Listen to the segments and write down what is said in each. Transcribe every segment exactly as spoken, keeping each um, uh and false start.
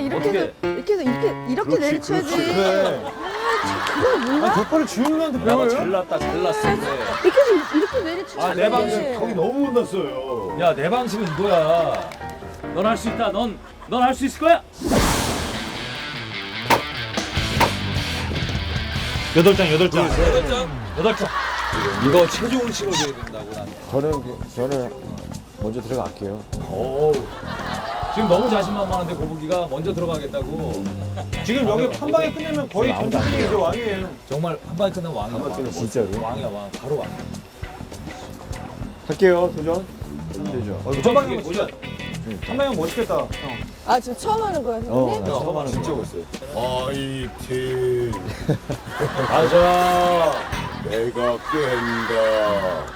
이렇게 어떻게? 해서 이렇게 해서 이렇게 이렇게 내리쳐야지. 그래. 그걸 몰라? 아, 덕발을 지훈이한테 야, 배워요? 잘났다, 잘났어. 근데. 이렇게 해서 이렇게 내리쳐. 아, 내 방식 거기 너무 혼났어요. 야, 내 방식은 이거야. 넌 할 수 있다. 넌, 넌 할 수 있을 거야. 여덟 장, 여덟 장. 여덟 장, 여덟 장. 이거 체중을 실어줘야 된다고 난. 저는 저는 먼저 들어갈게요. 오. 지금 너무 자신만만한데 고부기가 먼저 들어가겠다고. 지금 여기 한 방에 끝내면 거의 동생이 이제 왕이에요. 정말 한 방에 끝나면 왕이야. 왕. 진짜로? 왕이야, 왕. 바로 왕. 할게요, 도전. 되죠. 어, 이거 한 방에 멋있다. 한 방에 멋있겠다. 형. 아 지금 처음 하는 거야, 어, 선생님? 나 처음 하는 진짜 멋있어요. 화이팅! 가자. 내가 깬다.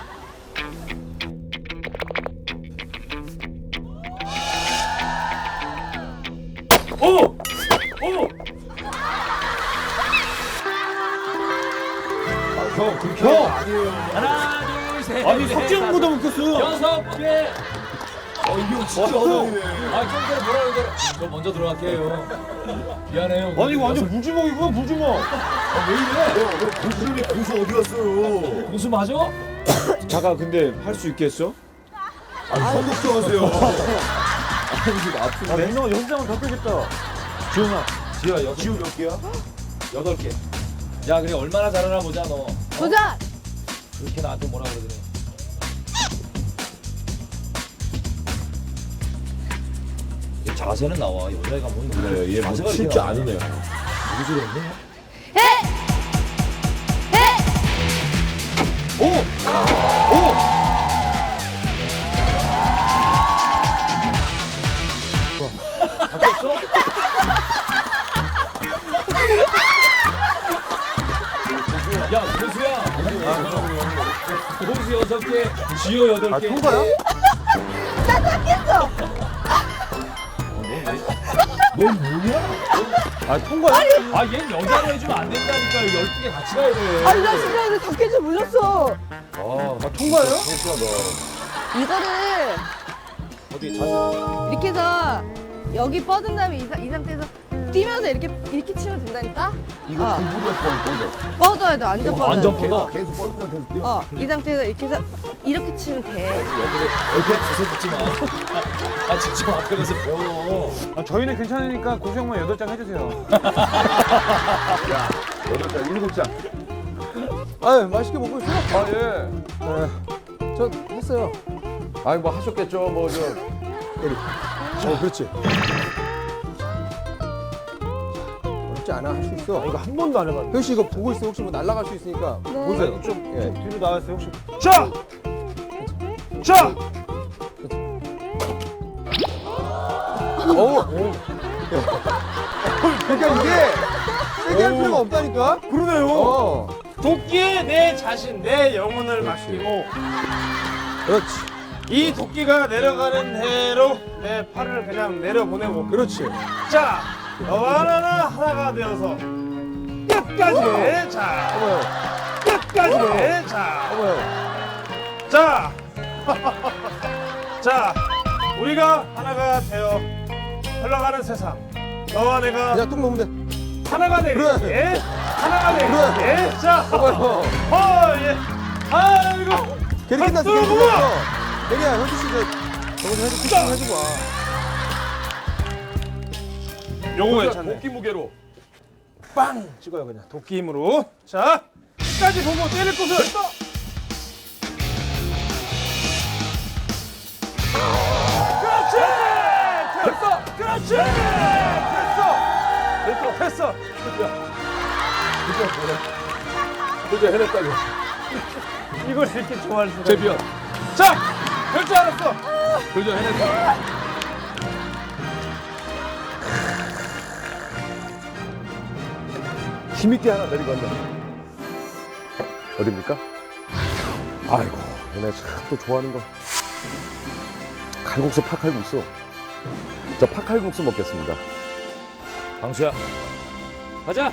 오! 오! 형, 그렇게 형! 아니에요. 하나, 둘, 셋. 아니, 넷, 석재형보다 다섯, 웃겼어. 여섯 개. 어, 이형 진짜 왔어. 어려운데. 아, 좀 전에 뭐라 그러더라. 저 먼저 들어갈게요. 미안해요. 아니, 이거 완전 무주먹이구나, 무주먹. 아, 왜 이래? 형, 형, 고수님이 고수 어디 갔어요? 공수 맞아? 잠깐, 근데 할 수 있겠어? 아니, 형 걱정하세요. 아니, 지금 아픈데? 아, 민성아, 여섯 장은 더 빼겠다. 지훈아. 지효 여섯 지우 몇 개야? 여덟 개. 야, 그래 얼마나 잘하나 보자 너. 도전. 그렇게 나한테 뭐라 그러더니. 얘 자세는 나와. 여자애가 뭔 그래요, 얘 자세가 뭐 이렇게 칠줄 나와. 아니네요. 무슨 소리 했네? 바뀌었어? 야, 고수야. 고수 여섯 개, 지효 여덟 아, 개. 통과야? 아, 통과야? 아, 얘는 여자로 해주면 안 된다니까. 열두 개 같이 가야 돼. 아니 나 진짜 이거 다 깨질 몰랐어. 아, 아, 통과예요? 이거를 어디 자세? 이렇게 해서 여기 뻗은 다음에 이, 사- 이 상태에서 뛰면서 이렇게 이렇게 치면 된다니까? 이거 어. 공부가 뻔 뻔해. 뻗어야 돼, 완전 뻗어야 완전 돼. 뻗어. 계속 뻔뻔 계속 뛰어. 어, 이 상태에서 이렇게 해서 이렇게 치면 돼. 옆에 자세 붙지 마. 아, 직접 앞에 가서 배워. 아, 저희는 괜찮으니까 고수 형만 여덟 장 해주세요. 여덟 장, 일곱 장. 아 맛있게 먹고 있어요? 아, 예. 네. 저 했어요. 아니, 뭐 하셨겠죠, 뭐, 저. 어 그렇지. 어렵지 않아 할 수 있어. 이거 한 번도 안 해봤는데. 형 씨 이거 보고 있어. 혹시 뭐 날아갈 수 있으니까 보세요. 좀, 좀 예. 뒤로 나와주세요, 혹시. 자! 자! 어우. 그러니까 이게 세게 할 필요가 없다니까. 그러네요. 어. 도끼에 내 자신, 내 영혼을 맡기고 그렇지. 이 도끼가 내려가는 대로 내 팔을 그냥 내려보내고 그렇지. 자, 너와 나는 하나가 되어서 끝까지 자, 어머요. 끝까지 자, 어머요. 자, 자, 우리가 하나가 되어 흘러가는 세상. 너와 내가 그냥 뚝 놓으면 돼. 하나가 되기. 그래. 예? 하나가 되기. 그래. 예? 자, 어머요. 어, 예. 아이고. 괜히 끝났어. 박수 괜히 보고! 끝났어. 괜히야 현주 씨 저 저거 좀 해주고 쿠킹 해주고 와. 요거 괜찮네. 도끼 무게로. 빵 찍어요 그냥 도끼 힘으로. 자, 끝까지 보고 때릴 곳을 또. 그렇지. 됐어. 그렇지. 됐어. 됐어. 됐어. 도저 해냈다, 이거. 이걸 이렇게 좋아할 수가. 제비야. 자, 될 줄 알았어. 도저 해냈다. 힘있게 하나 내리고 간다. 어딥니까? 아이고, 얘네 참 또 좋아하는 거. 칼국수, 팥칼국수. 저 팥칼국수 먹겠습니다. 방수야. 가자.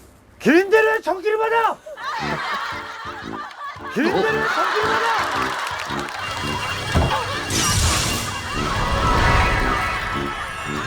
긴 데를 정기를 받아. 긴 데를 정기를 받아.